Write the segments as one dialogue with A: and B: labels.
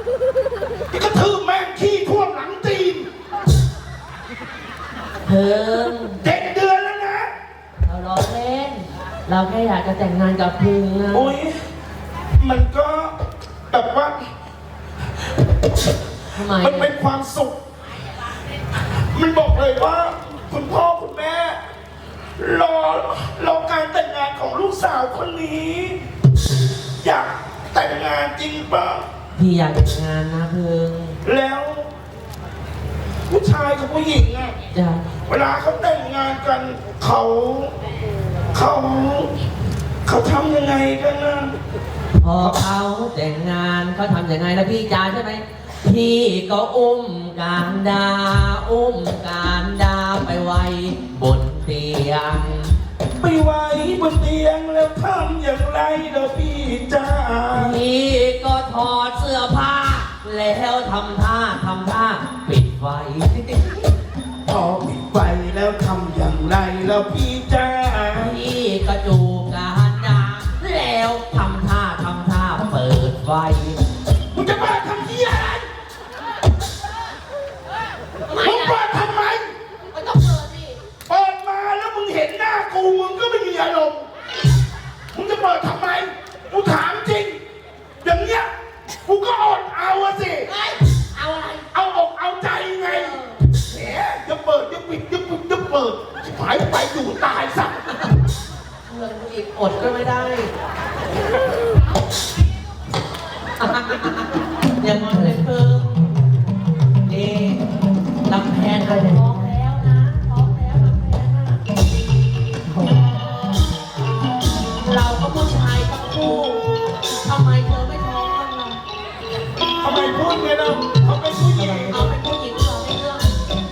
A: ที่กระทืบแม่งขี้ท่วมหลังตีน
B: เพิ่ง
A: 7 เดือนแล้วนะ
B: เราล้อเล่นเราแค่อยากจะแต่งงานกับพึงนะ
A: โอ้ยมันก็แบบว่า
B: ทำไม
A: มันเป็นความสุขมันบอกเลยว่าคุณพ่อคุณแม่รอการแต่งงานของลูกสาวคนนี้อยากแต่งงานจริงป่ะ
B: พี่อยากแต่งงานนะพึง
A: แล้วผู้ชายกับผู้หญิงอ่ะเวลาเขาแต่งงานกันเขาทำยังไงกันนะ
B: พอเขาแต่งงานเขาทำยังไงนะพี่จ๋าใช่ไหมพี่ก็อุ้มการดาไปไว้บนเตียง
A: ไปไว้บนเตียงแล้วทำอย่างไรเด้อพี่จ๋า
B: พี่ก็ถอดเสื้อผ้าแล้วทำท่าปิดไฟ
A: พอปิดไฟแล้วทำอย่างไรแล้วพี่จ๋า
B: พี่ก็จูบการดาแล้วทำท่าเปิดไฟ
A: มึงจะมาทำที่อะไรมึงเปิดทำไม
B: มันต้องเปิดดิ
A: เปิดมาแล้วมึงเห็นหน้ากูมึงก็ไม่มีอารมณ์มึงจะเปิดทำไมกูถามจริงอย่างเงี้ยกูก็อดเอาสิ
B: เอาอะไร
A: เอาอกเอาใจไงแหมจะเปิดจะปิดจะเปิดหายไปอยู่ตายสัก
B: เงินอีกอดก็ไม่ได้อย่างนั้นเลยเพิ่มนี่ลำแพนก็จะท้องแล้วนะท้องแล้วลำแพนนะเราก็ผู้ชายทั้งคู่ทำไมเธอไม่ท้องกันล่ะ
A: ทำไมพูดไงเราเขาเป็นผู้หญิง
B: เอาเป็นผู้หญิงเหรอไม่เรื่อง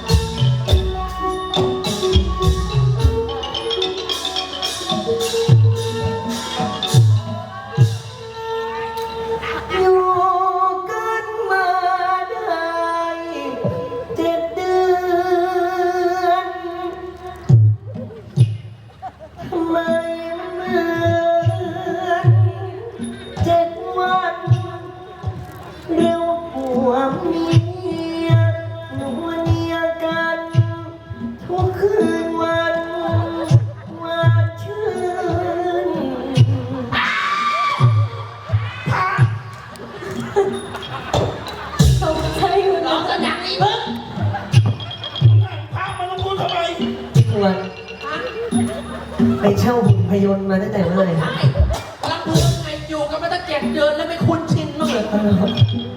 C: ไปเช่าหุ่นพยนต์มาตั้งแต่เมื่อไหร่
B: รักเพื่อนไงอยู่กันมาตั้ง7 เดือนแล้วไม่คุ้นชินมั้งเลย